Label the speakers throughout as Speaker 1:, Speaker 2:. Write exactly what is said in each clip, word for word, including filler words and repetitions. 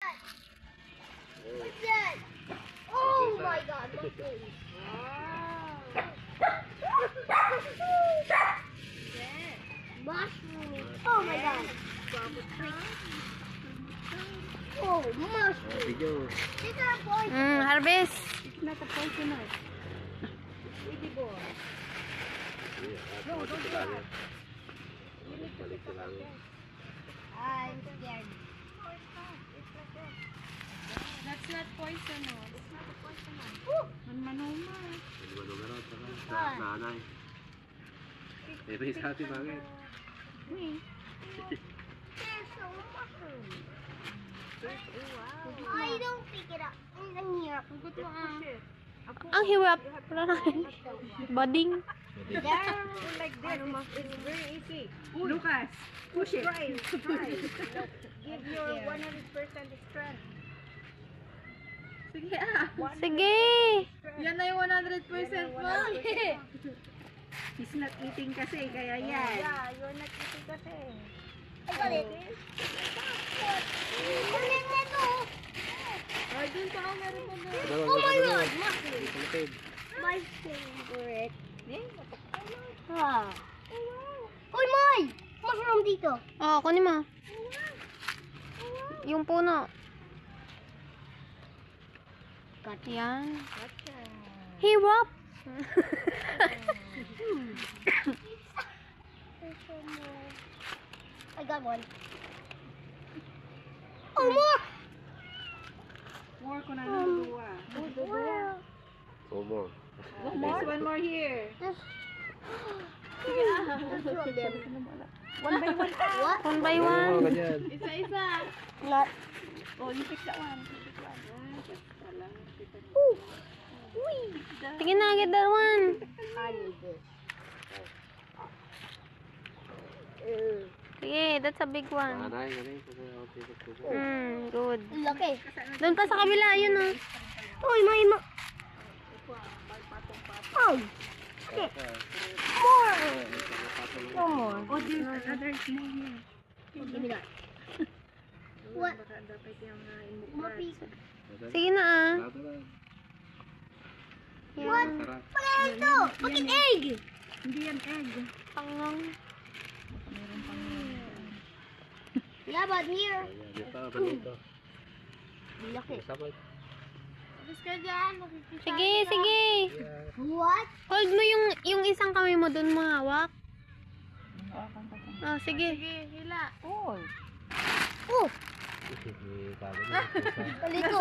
Speaker 1: What's that? Oh my God, mushrooms. Mushrooms. Oh my God. Oh, mushrooms.
Speaker 2: Video.
Speaker 1: These are poison.
Speaker 3: Mm, harvest.
Speaker 1: It's not a poisonous. Baby boy.
Speaker 2: No, don't do that.
Speaker 1: I'm scared.
Speaker 3: That's not poisonous.
Speaker 1: It's not a poisonous.
Speaker 3: Manmanoma.
Speaker 2: Nanay. Eh, may sabi bakit?
Speaker 1: There's so mushrooms. Wow. I don't pick it up. Ang hirap.
Speaker 3: Ang hirap. Wala na. Bading.
Speaker 1: There.
Speaker 4: Like this, it's, it's very easy. Lucas, push it. Try it. Try it. Give your one hundred percent strength.
Speaker 3: Sige ah. Sige. Yan na yung one hundred percent mo.
Speaker 4: He's not eating kasi, kaya yan.
Speaker 1: Yeah, you're not eating kasi. I got it. Kunin mo to.
Speaker 3: Ay, dun pa ako meron pa na.
Speaker 1: Oh my God, mushrooms. My favorite. Ah. Uy, May! Mushroom dito.
Speaker 3: Oh, kunin mo. Yung puno. Yan. Hirap.
Speaker 1: I got one. Oh, more!
Speaker 4: More ko na ng dua.
Speaker 1: Wow.
Speaker 2: Oh, more.
Speaker 4: There's one more here.
Speaker 1: Just...
Speaker 4: One by one.
Speaker 1: What?
Speaker 3: One by
Speaker 2: Oh,
Speaker 3: one.
Speaker 2: ganyan.
Speaker 4: Isa-isa.
Speaker 1: Not.
Speaker 4: Oh, you pick that one. You pick one. Ah, just pala.
Speaker 1: Ooh. Uy.
Speaker 3: Sige na, get that one.
Speaker 1: I need this. Uh,
Speaker 3: Sige, that's a big one.
Speaker 2: Nanay, nanay.
Speaker 3: Hmm, good.
Speaker 1: laki.
Speaker 3: Doon pa sa kabila, yun oh.
Speaker 1: Uy, may ma... Oh. Shit. More. No more.
Speaker 4: Oh, there's another small here.
Speaker 1: Give me that. What?
Speaker 4: Baka dapat yung uh,
Speaker 1: Mapi.
Speaker 3: Sige na ah.
Speaker 1: What?
Speaker 2: Sarap.
Speaker 1: Ano ito? Bakit egg?
Speaker 4: Hindi yan egg.
Speaker 3: Pangang.
Speaker 1: Yeah, but here.
Speaker 2: Dito, balito.
Speaker 1: Laki.
Speaker 2: Sabay.
Speaker 3: Sige, sige.
Speaker 1: What?
Speaker 3: Hold mo yung yung isang kamay mo doon mo hawak. Oh, sige.
Speaker 1: Oh. Oh. Palito.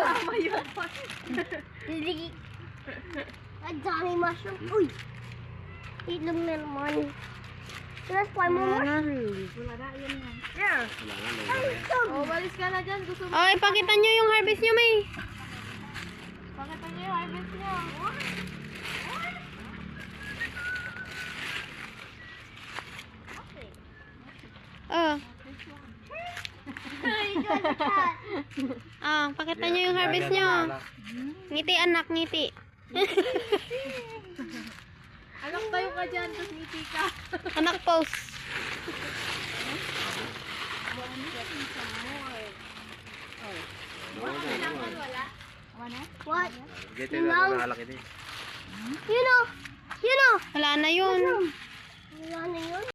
Speaker 1: Ligi. Ang dami mushroom. Uy. Itlog na naman. Let's find more mushrooms.
Speaker 4: Wala na, yan yan.
Speaker 1: Yeah.
Speaker 2: Wala nga, wala nga.
Speaker 3: Oh, balis ka na dyan. Gusto mo. Oh, ipakita nyo yung harvest nyo, May. Pakita nyo yung harvest nyo. Oh. Ah, pakita nyo yung harvest nyo. Ngiti anak, ngiti. Anak tayo ka dyan, tapos ngiti ka. Anak pose.
Speaker 1: What?
Speaker 2: Get it, nakalaki din.
Speaker 1: You know. You know.
Speaker 3: Wala na yun.
Speaker 1: Wala na yun.